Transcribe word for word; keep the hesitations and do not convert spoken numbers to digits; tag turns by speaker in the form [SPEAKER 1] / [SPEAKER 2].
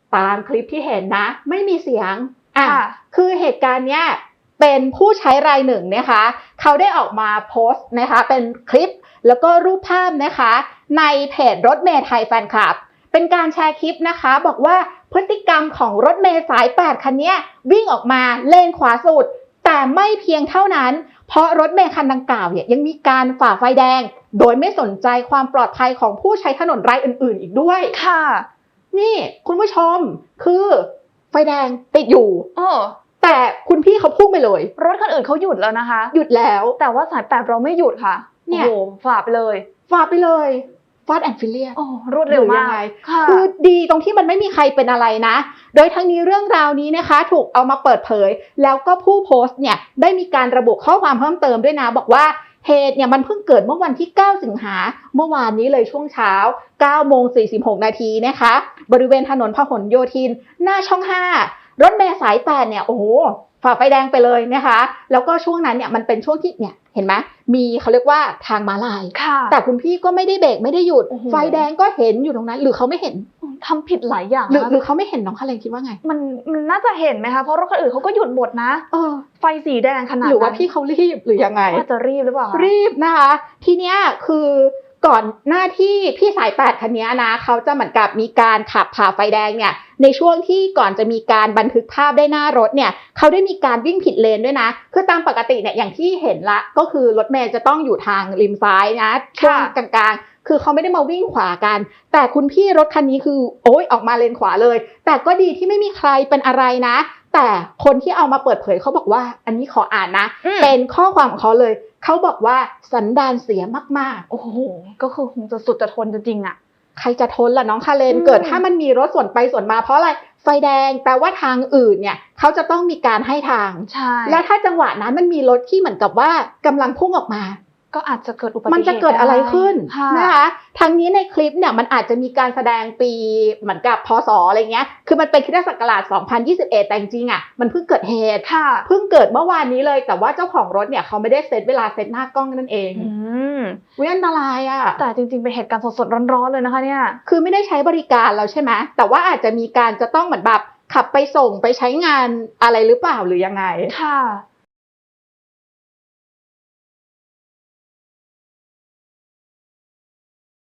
[SPEAKER 1] ตามคลิปที่เห็นนะไม่มีเสียงอ่ะ
[SPEAKER 2] ค่ะ
[SPEAKER 1] คือเหตุการณ์เนี้ยเป็นผู้ใช้รายหนึ่งนะคะเขาได้ออกมาโพสต์นะคะเป็นคลิปแล้วก็รูปภาพนะคะในเพจรถเมล์ไทยแฟนคลับเป็นการแชร์คลิปนะคะบอกว่าพฤติกรรมของรถเมล์สายแปดคันนี้วิ่งออกมาเลนขวาสุดแต่ไม่เพียงเท่านั้นเพราะรถเมล์คันดังกล่าวเนี่ยยังมีการฝ่าไฟแดงโดยไม่สนใจความปลอดภัยของผู้ใช้ถนนรายอื่นๆอีกด้วย
[SPEAKER 2] ค่ะ
[SPEAKER 1] นี่คุณผู้ชมคือไฟแดงติดอยู่
[SPEAKER 2] เออ
[SPEAKER 1] แต่คุณพี่เขาพุ่งไปเลย
[SPEAKER 2] รถคันอื่นเขาหยุดแล้วนะคะ
[SPEAKER 1] หยุดแล้ว
[SPEAKER 2] แต่ว่าสายแปดเราไม่หยุดค่ะเนี่ยโอ้โหฝ่าไปเลย
[SPEAKER 1] ฝ่าไปเลยฟาสต์แอนด์ฟิลเลียส
[SPEAKER 2] โอ้รวดเร็วมาก
[SPEAKER 1] คือดีตรงที่มันไม่มีใครเป็นอะไรนะโดยทั้งนี้เรื่องราวนี้นะคะถูกเอามาเปิดเผยแล้วก็ผู้โพสต์เนี่ยได้มีการระบุข้อความเพิ่มเติมด้วยนะบอกว่าเหตุเนี่ยมันเพิ่งเกิดเมื่อวันที่เก้าสิงหาเมื่อวานนี้เลยช่วงเช้าเก้าโมงสี่สิบหกนาทีนะคะบริเวณถนนพหลโยธินหน้าช่องห้ารถเมล์สายแปดเนี่ยโอ้โหฝ่าไฟแดงไปเลยนะคะแล้วก็ช่วงนั้นเนี่ยมันเป็นช่วงที่เนี่ยเห็นไหมมีเขาเรียกว่าทางม้าลายแต่คุณพี่ก็ไม่ได้เบรกไม่ได้หยุดไฟแดงก็เห็นอยู่ตรงนั้นหรือเขาไม่เห็น
[SPEAKER 2] ทำผิดหลายอย่าง
[SPEAKER 1] หรือหรือเขาไม่เห็นน้องคาเรนคิดว่าไง
[SPEAKER 2] มันมันน่าจะเห็นไหมคะเพราะรถคันอื่นเขาก็หยุดหมดนะ
[SPEAKER 1] เออ
[SPEAKER 2] ไฟสีแดงขนาด
[SPEAKER 1] หรือว่าพี่เขารีบหรือยังไง
[SPEAKER 2] ว่าจะรีบหรือเปล่า
[SPEAKER 1] รีบนะคะทีเนี้ยคือก่อนหน้าที่พี่สายแปดคันนี้นะเขาจะเหมือนกับมีการขับผ่าไฟแดงเนี่ยในช่วงที่ก่อนจะมีการบันทึกภาพได้หน้ารถเนี่ยเขาได้มีการวิ่งผิดเลนด้วยนะคือตามปกติเนี่ยอย่างที่เห็นละก็คือรถเมล์จะต้องอยู่ทางริมซ้ายนะช่วงกลางๆคือเขาไม่ได้มาวิ่งขวากันแต่คุณพี่รถคันนี้คือโอ๊ยออกมาเลนขวาเลยแต่ก็ดีที่ไม่มีใครเป็นอะไรนะแต่คนที่เอามาเปิดเผยเขาบอกว่าอันนี้ขออ่านนะเป็นข้อความของเขาเลยเขาบอกว่าสันดานเสียมาก
[SPEAKER 2] ๆโอ้โหก็คือคงจะสุดจะทนจริงๆอ่ะ
[SPEAKER 1] ใครจะทนล่ะน้องคาเรนเกิดถ้ามันมีรถสวนไปสวนมาเพราะอะไรไฟแดงแปลว่าทางอื่นเนี่ยเขาจะต้องมีการให้ทาง
[SPEAKER 2] ใช่
[SPEAKER 1] แล้วถ้าจังหวะนั้นมันมีรถที่เหมือนกับว่ากำลังพุ่งออกมา
[SPEAKER 2] ก็อาจจะเกิดอุบัติเหตุ
[SPEAKER 1] มันจะเกิดอะไรขึ้นนะคะทั้งนี้ในคลิปเนี่ยมันอาจจะมีการแสดงปีเหมือนกับพศอะไรเงี้ยคือมันเป็นคริสตศักราชสองพันยี่สิบเอ็ดแต่จริงๆอ่ะมันเพิ่งเกิดเหตุเพิ่งเกิดเมื่อวานนี้เลยแต่ว่าเจ้าของรถเนี่ยเขาไม่ได้เซตเวลาเซตหน้ากล้องนั่นเอง
[SPEAKER 2] อืม
[SPEAKER 1] วิอันตรายอ่ะ
[SPEAKER 2] แต่จริงๆเป็นเหตุการณ์สดๆร้อนๆเลยนะคะเนี่ย
[SPEAKER 1] คือไม่ได้ใช้บริการแล้วใช่ไหมแต่ว่าอาจจะมีการจะต้องเหมือนแบบขับไปส่งไปใช้งานอะไรหรือเปล่าหรือยังไง
[SPEAKER 2] ค่ะ